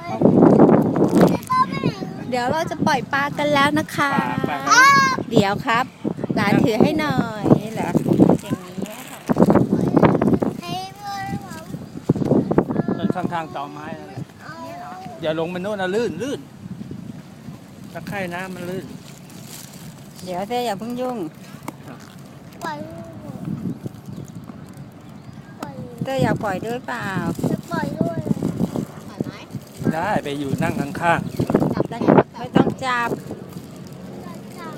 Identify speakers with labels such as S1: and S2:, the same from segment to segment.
S1: เดี๋ยวเราจะปล่อยปลากันแล้วนะคะ
S2: ปลา
S1: เดี๋ยวครับหลานถือให้หน่อยนี่เหรออย่างนี้ค่ะ
S2: ต้นข้างๆต่อไม้นั่นแหละ
S1: นี่เหรอ
S2: อย่าลงมันโน่นนะลื่นตะไคร่น้ำมันลื่น
S1: เดี๋ยวเต้อย่าเพิ่งยุ่งเต้อยากปล่อยด้วยเปล่า
S2: ได้ไปอยู่นั่งข้าง
S1: จับได้ไงไม่ต้องจับ
S2: ๆจับ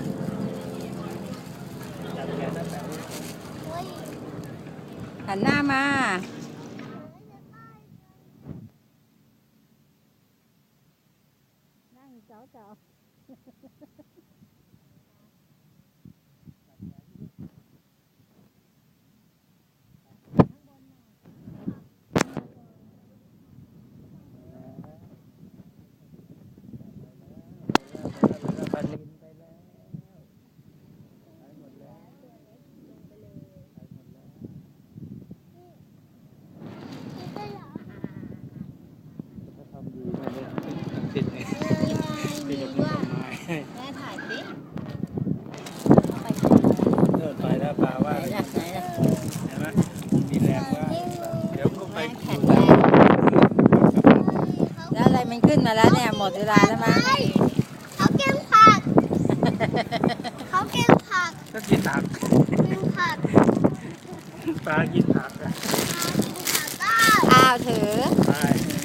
S2: แขนได้แบบนี้
S1: หันหน้ามานั่งเจ้าเจ้า
S2: ปลานิลไปแล้วไปหมดแล้วเขาทำดีมากเลยติดไงติดกับต้นไม้
S1: แม่ถ่ายสิ
S2: เดินไปแล้วปลาว่า
S1: ไหนล่ะไหนล่ะ
S2: เห็นไหมมีแรงว่าเดี๋ยวก็ไป
S1: แข็งแรง แล้วอะไรมันขึ้นมาแล้วเนี่ยหมดเวลาแล้วมั้ง
S3: เขาเก็บผัก เขาเก็บผัก
S2: ก็กินผัก
S3: กินผัก
S2: ปลากินผักอะ
S3: กินผักได้
S1: อ้าวถือ
S2: ไป